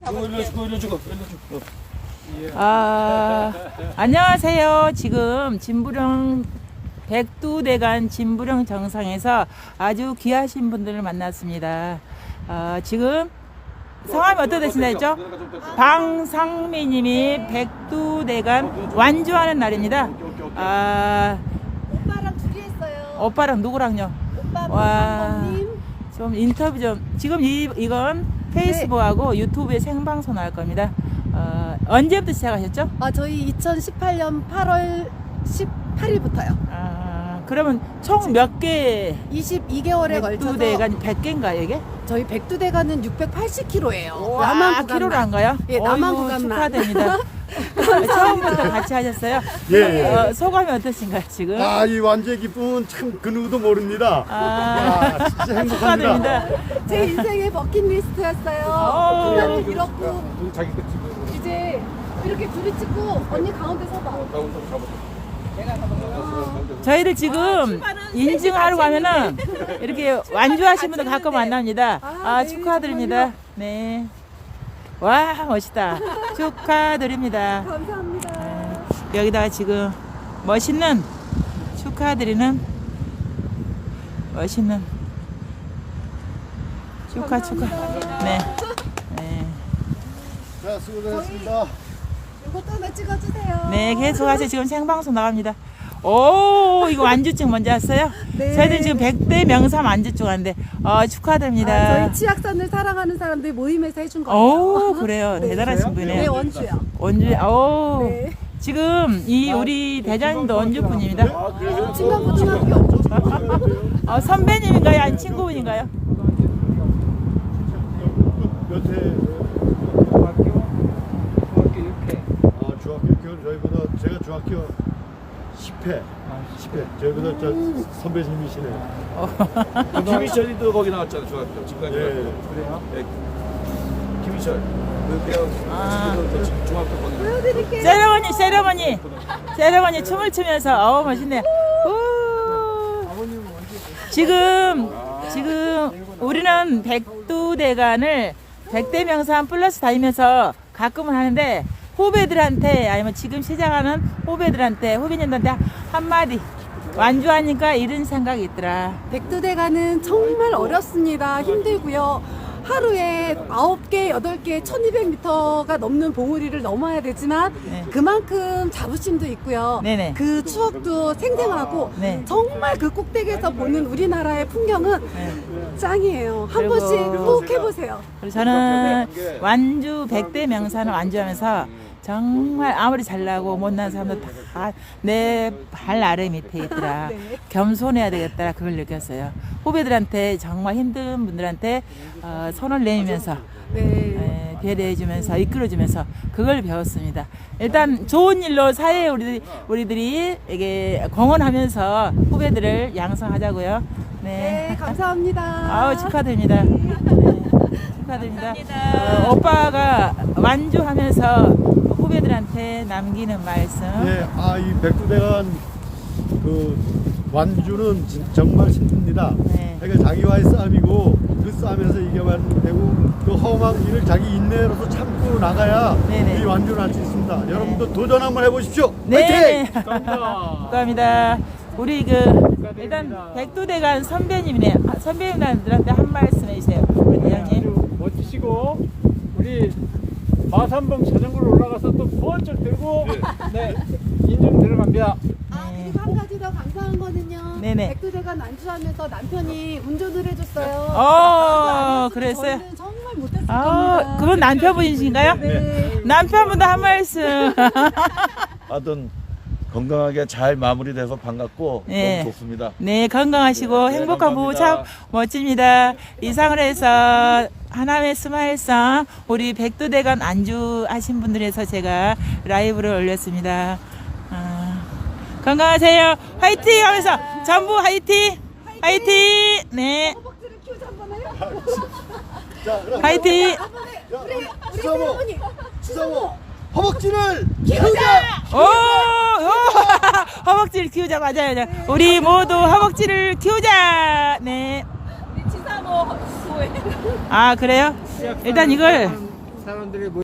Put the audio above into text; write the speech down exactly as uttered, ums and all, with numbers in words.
아, 안녕하세요. 지금 진부령 백두대간 진부령 정상에서 아주 귀하신 분들을 만났습니다. 아, 지금 성함이 어떻게 되신다 했죠? 방상미님이 백두대간 완주하는 날입니다. 아, 오빠랑 둘이 했어요. 오빠랑 누구랑요? 오빠 와, 방송님. 좀 인터뷰 좀. 지금 이 이건 페이스북하고 네. 유튜브에 생방송 할 겁니다. 어, 언제부터 시작하셨죠? 아, 저희 이천십팔 년 팔월 십팔일부터요. 아, 그러면 총 몇 개? 이십이 개월에 걸쳐서 백두대간 백 개인가요, 이게? 저희 백두대간은 육백팔십 킬로미터예요. 와, 남한 키로를 안 구간만. 가요? 예, 남한 어이구, 구간만. 축하드립니다. 처음부터 같이 하셨어요? 예. 어, 소감이 어떠신가요, 지금? 아, 이 완주의 기쁨은 참 그 누구도 모릅니다. 아, 아, 진짜 행복합니다. 축하드립니다. 제 인생의 버킷리스트였어요. 어. 분야를 잃었고 이제 이렇게 둘이 찍고 언니 가운데 서봐. 저희를 지금 인증하러 가면은 이렇게 완주하신 분들 가끔 만납니다. 아, 네, 축하드립니다. 네. 와, 멋있다. 축하드립니다. 감사합니다. 여기다가 지금 멋있는 축하드리는 멋있는 축하 축하. 네. 네. 자, 수고하셨습니다. 이것도 하나 찍어주세요. 네, 계속하세요. 지금 생방송 나갑니다. 오, 이거 완주증 먼저 왔어요? 네. 저희들 지금 백대 명삼 완주증 하는데, 어, 축하드립니다. 아, 저희 치악산을 사랑하는 사람들 모임에서 해준 거예요. 오, 그래요. 네. 대단하신 네, 분이에요. 원주요. 원주, 오. 네. 지금 이 우리 대장님도 원주 분입니다. 친강고등학교. 어, 선배님인가요? 아니 친구분인가요? 몇 회? 중학교 중학교 육 회. 아, 중학교 교 저희보다 제가 중학교 십 회. 십 회. 저희보다 저 선배님이시네요. 김희철이도 거기 나왔잖아 중학교 지금까지. 예. 그래요? 네. 김희철 그 배우 아. 지금도 지금 중학교 거기. 보여드릴게요. 세레머니, 세레머니, 세레머니 춤을 추면서 어우 멋있네요. 우. 지금 지금 우리는 백두대간을 백대 명산 플러스 다니면서 가끔은 하는데 후배들한테 아니면 지금 시작하는 후배들한테 후배님들한테 한마디 완주하니까 이런 생각이 있더라. 백두대간은 정말 어렵습니다. 힘들고요. 하루에 아홉 개, 여덟 개, 천이백 미터가 넘는 봉우리를 넘어야 되지만 네. 그만큼 자부심도 있고요. 네네. 그 추억도 생생하고 네. 정말 그 꼭대기에서 보는 우리나라의 풍경은 짱이에요. 한 그리고- 번씩 꼭 해보세요. 그래서 저는 완주 백대 명산을 완주하면서 정말 아무리 잘나고 못난 사람도 다 내 발 아래 밑에 있더라. 네. 겸손해야 되겠다 그걸 느꼈어요. 후배들한테 정말 힘든 분들한테 어, 손을 내밀면서 네. 에, 배려해주면서 이끌어주면서 그걸 배웠습니다. 일단 좋은 일로 사회에 우리들이, 우리들이 이게 공헌하면서 후배들을 양성하자고요. 네. 네, 감사합니다. 아우 축하드립니다. 네, 축하드립니다. 어, 오빠가 완주하면서 후배들한테 남기는 말씀. 예, 아, 이 백두대간 그 완주는 진- 정말 힘듭니다. 네. 그러니까 자기와의 싸움이고 그 싸움에서 이겨만 되고 그 험한 일을 자기 인내로서 참고 나가야 네네. 이 완주를 할 수 있습니다. 여러분도 도전 한번 해보십시오. 네. 화이팅! 감사합니다. 우리 그 일단 백두대간 선배님이네. 아, 선배님들한테 한 말씀 해주세요. 우리 대장님. 아주 멋지시고 우리 마산봉 자전거로 올라가서 또 번쩍 들고 네 인증 들어갑니다. 아, 그리고 한 가지 더 감사한 거는요. 네네. 백두대간 완주하면서 남편이 운전을 해줬어요. 어, 그랬어요? 저희는 정말 못했을 아, 겁니다. 그분 남편분이신가요? 네. 남편분도 한 말씀. 하여튼 건강하게 잘 마무리돼서 반갑고 네. 너무 좋습니다. 네, 건강하시고 네, 행복한 부부 참 감사합니다. 멋집니다. 이상을 해서 하남의 스마일상 우리 백두대간 안주하신 분들에서 제가 라이브를 올렸습니다. 아, 건강하세요. 화이팅 하면서 전부 화이팅! 화이팅! 네, 허벅지를 키우자 한번 해요. 자, 그럼 화이팅! 우리 우리 추사모, 세레모니. 추사모, 허벅지를 오! 오! 허벅지를 키우자, 맞아요. 맞아요. 우리 모두 허벅지를 키우자! 네. 우리 치사모 후에. 아, 그래요? 일단 이걸 사람들이 모